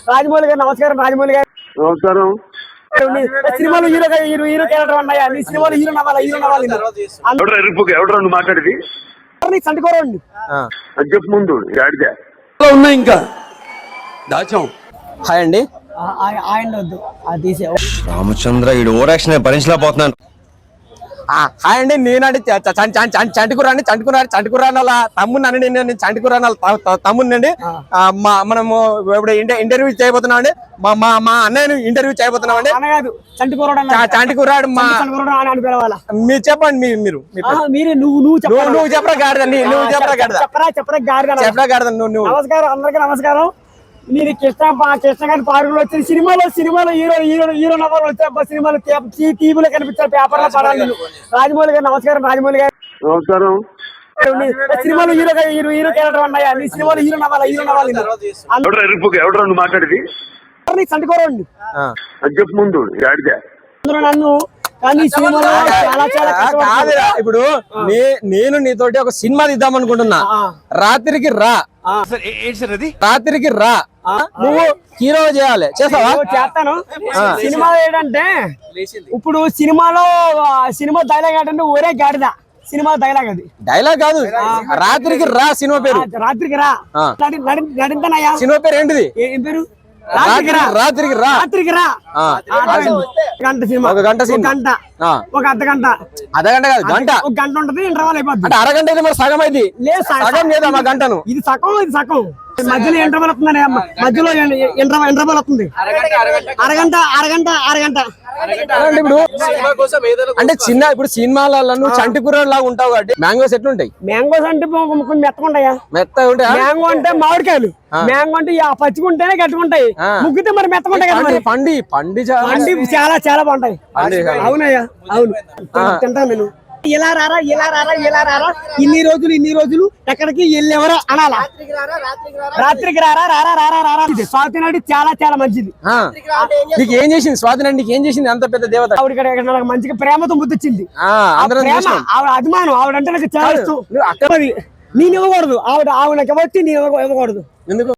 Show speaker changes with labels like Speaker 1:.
Speaker 1: రాజమౌళి గారు నమస్కారం. రాజమౌళి గారు
Speaker 2: నమస్కారం.
Speaker 1: సినిమాలు హీరో క్యారెక్టర్ ఉన్నాయా? నీ సినిమాలు హీరో నవ్వాలి
Speaker 2: ఎవడరా నువ్వు మాట్లాడేది?
Speaker 1: సంటుకోరండి
Speaker 2: చెప్పు ముందు ఆడితే
Speaker 3: ఉన్నాయి ఇంకా దాచాం.
Speaker 4: హాయ్ అండి.
Speaker 1: ఆయన వద్దు అది తీసే.
Speaker 4: రామచంద్ర ఈ ఓవరాక్షన్ భరించలేకపోతున్నాను. హాయ్ అండి. నేనండి చంటుకురాని వాళ్ళ తమ్ముడిని అండి. నేను చంటుకురాని వాళ్ళ తమ్ముడినండి. మనము ఇప్పుడు ఇంటర్వ్యూ చేయబోతున్నాం అండి. మా అన్నయ్యను ఇంటర్వ్యూ చేయబోతున్నాం అండి. చంటుకురాడు మీరు చెప్పండి. నువ్వు చెప్పరా గాడిద. నువ్వు చెప్పరా గాడిద. నువ్వు
Speaker 1: నమస్కారం. అందరికీ నమస్కారం. నేను కృష్ణ గారి పార్కులు వచ్చిన సినిమాలో హీరో నవ్వాలి వచ్చే సినిమాలు టీవీలో కనిపించారు, పేపర్లో పడాలి. రాజమౌళి గారు నమస్కారం. రాజమౌళి గారు
Speaker 2: నమస్కారం.
Speaker 1: సినిమాలు హీరో క్యారెక్టర్ ఉన్నాయా? నీ సినిమాలు హీరో నవ్వాలి
Speaker 2: ఎవడరా నువ్వు మాట్లాడేది?
Speaker 1: సంటుకోరండి
Speaker 2: చెప్పు ముందు ఆడితే
Speaker 1: నన్ను. కానీ సినిమాలో
Speaker 4: కాదురా. ఇప్పుడు నేను నీతోటి ఒక సినిమా తీద్దాం అనుకుంటున్నా. రాత్రికి రా నువ్వు హీరో చేయాలి. చేస్తావా?
Speaker 1: చేస్తాను. సినిమా ఏంటంటే ఇప్పుడు సినిమా డైలాగ్ ఏంటంటే ఒరే గాడిద. సినిమా డైలాగ్ అది.
Speaker 4: డైలాగ్ కాదు, రాత్రికి రా సినిమా పేరు.
Speaker 1: రాత్రికి రా నడింతనయ్యా.
Speaker 4: సినిమా పేరు ఏంటిది?
Speaker 1: ఏం పేరు?
Speaker 4: రాత్రికి రా.
Speaker 1: గంట సినిమా.
Speaker 4: ఒక గంట
Speaker 1: గంట ఒక అర్ధగంట.
Speaker 4: అర్ధగంట కాదు, గంట.
Speaker 1: ఒక గంట ఉంటది. ఇంటర్వల్ అయిపోద్ది.
Speaker 4: అంటే అరగంట అయితే మరి సగం అయింది.
Speaker 1: లేదు
Speaker 4: సగం లేదా మా గంటను.
Speaker 1: ఇది సగం. మధ్యలో ఇంటర్వల్ వస్తుందని మధ్యలో ఇంటర్వల్ వస్తుంది. అరగంట.
Speaker 4: ఇప్పుడు అంటే చిన్న ఇప్పుడు సినిమాలలో నువ్వు చంటికూరడు లాగా ఉంటావు కాబట్టి మ్యాంగోస్ ఎట్లుంటాయి?
Speaker 1: మ్యాంగోస్ అంటే కొంచెం మెత్తగా
Speaker 4: ఉంటాయా?
Speaker 1: మ్యాంగో అంటే మామిడికాయలు. మ్యాంగో అంటే పచ్చికుంటేనే గట్టుకుంటాయి. ముగ్గితే మరి మెత్తకుంటాయి కదా.
Speaker 4: పండి
Speaker 1: చాలా బాగుంటాయి. అవునయ్యా, అవును. తింటాను నేను. ఇలా రారా ఇన్ని రోజులు ఎక్కడికి వెళ్ళేవరా అనాలా? రాత్రికి రారా. స్వాతి నాడు చాలా మంచిది.
Speaker 4: నీకు ఏం చేసింది స్వాతి నాడు? నీకు ఏం చేసింది అంత పెద్ద దేవత?
Speaker 1: ఆవిడ మంచిగా ప్రేమతో ముద్దిచ్చింది. ఆవిడ అభిమానం. ఆవిడంటే నాకు చాలా ఇష్టం. నేను ఇవ్వకూడదు. ఆవిడ నాకు ఇవ్వచ్చు, నేను ఇవ్వకూడదు.
Speaker 4: ఎందుకు?